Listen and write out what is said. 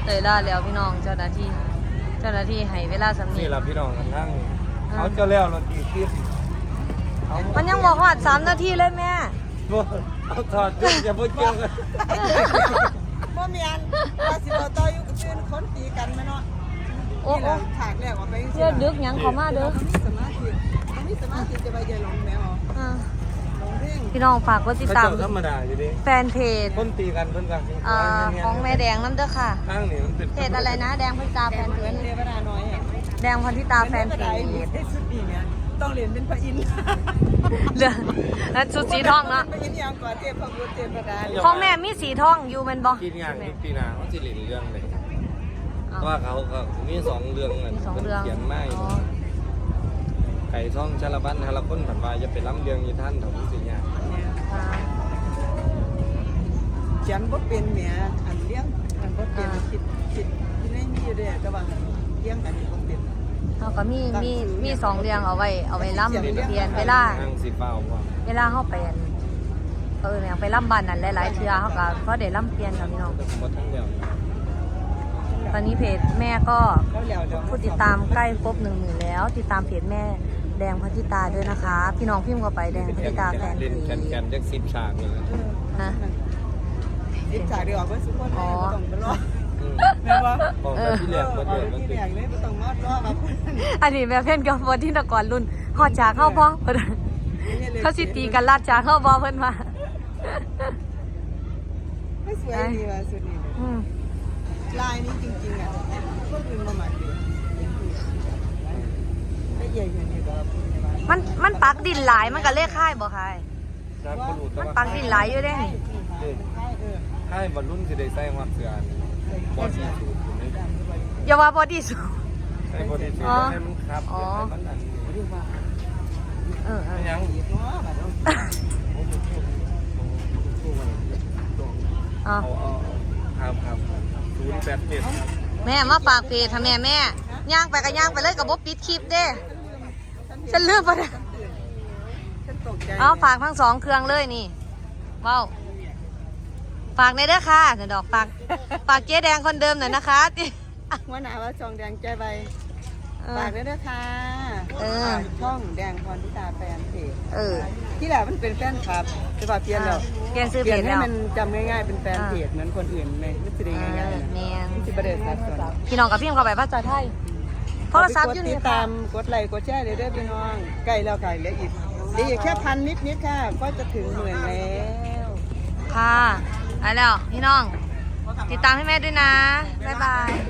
เตยล่าแล้วพี่น้องเจ้าหน้าที่ให้เวลาสำนีนี่ล่ะพี่น้องกันทั้งเอาเจ้าแล้วเราตีคลิปเอามันยังบอกว่า3 นาทีเลยแม่บ่เอาถอดจุดอย่าพูดเกี่ยวกันบ่มีอันว่าสิบ่ต่ออยู่กับเพื่อนคนตีกันแม่เนาะโอ้นี่แหละฉากแรกออกไปเชื่อดึกยังเขามาเด้อมันมีสมาธิจะไปเจอหลงแมวอ่าหลงเพ่งพี่น้องฝากกดติดเขาตามเจ้าธรรมดาอยู่ดิแฟนเพจคนตีกันเพิ่นกันของแม่แดงน้ำเด้อค่ะข้างนี่มันเป็นเพจอะไรนะแดงพันตาแฟนเพเหมือนจเทวดาน้อยอ่ะแดงพันธิตาแฟนเพเทวดาจเรียนได้สุดดีเนี่ยต้องเรียนเป็นพระอินทร์เรือแล้วชุดสีทองเนาะพระอินทร์ยังกว่าเทพพระบุตรเทพดาของแม่มีสีทองอยู่แมันบ่กินอย่างยุคปีนาเขาสิเล่นเรื่องเลยเพราะว่าเขาก็มี2เรื่องนั่นมีสองเพิ่นเรื่องเขียนมาอ๋อไก่ท่องชาละบันฮาละคนผันว่าจะไปล้ำเรื่องอยู่ท่านเถาผู้สิญาอ่าเขียนบ่เป็นแหมอันเลี้ยงอันบ่เป็นคิดที่ได้มีอยู่เด้อแต่ว่าเลี้ยงกันบ่เป็นเขาก็มี2 เรื่องเอาไว้ล่ำเปลี่ยนเวลานั่งสิเฝ้าว่าเวลาเขาไปอันอย่างไปล่ำบ้านนั่นหลายๆเทื่อเขาก็เพราะเดี๋ยวล่ำเปลี่ยนค่ะพี่น้องหมดทั้งเดียวตอนนี้เพจแม่ก็แล้วแล้วเดี๋ยวผู้ติดตามใกล้ครบ10,000แล้ว ติดตามเพจแม่แดงพันธิตาด้วยนะคะ พี่น้องพิมพ์เข้าไปแดงพันธิตาแฟนเพเล่นจแคนจัก10ฉากเลยนะนะดิฉากเดียวเพิ่นสุคนบ่ต้องไปรออืมแม่ว่าบอกแต่ที่แรกบ่เดือดมันที่ติแรดกเลยบ่ต้องมารอแบบอันนี้แม่เพ่นกับวันที่ตะก่อนรุ่นหอดจากเข้าพ่อเพิ่นเขาสิตีกันลาดจากเข้าบ่เพิ่นว่าไม่สวยดีว่ะสุดนี่อืมลายนี้จริงๆอ่ะคนอื่นมาหมักดีไม่ใหญ่อย่างนี้ก็มันปักดินหลายมันก็เลขค่ายบ่ค่ะจากคนรู้แต่มันว่าปักดินหลายอยู่เด้นี่ให้บรรลุนสิได้ใส่ฮอดเสื้อบ่ดีสุดอยู่นี่อย่าว่าบ่ดีสุดให้บ่ดีสุดอ๋อให้มันครับอ๋อให้มันอันนี้ว่าเออยังอ๋อครับ087ครับแม่มาฝากเพจทำแม่ย่างไปก็ย่างไปเลยกับบ่ปิดคลิปเด้ฉันลืมไปเลยฉันตกใจเอาฝากทั้ง2 เครื่องเลยนี่เว้าฝากในเด้อค่ะเดี๋ยวดอกฝากเจ๊แดงคนเดิมหน่อยนะคะหัวหน้าว่าจองแดงใจใบเอฝาอกด้วยนะคะเออช่องแดงพรทิตาแฟนเพจเออที่แหละมันเป็นแฟนคลับจะว่าเปลี่ยนแล้วเปลี่ยนซื้อเปเพลี่ยนจให้แล้วมันจำง่ายๆเป็นแฟนเพจเหมือนคนอื่นไหมไม่ใช่ง่ายๆนะแม่นที่ประเด็นสัดส่วนพี่น้องกับพี่เข้าไปภาษาไทยโทรศัพท์อยู่ตินี่ดค่ะตามกดไลค์กดแชร์เลยเด้อพี่น้องใกล้แล้วใกล้เหลืออีกแค่1,000นิดๆค่ะ ก็จะถึง10,000แล้วค่ะไปแล้วพี่น้อง ติดตามให้แม่ด้วยนะ บ๊ายบาย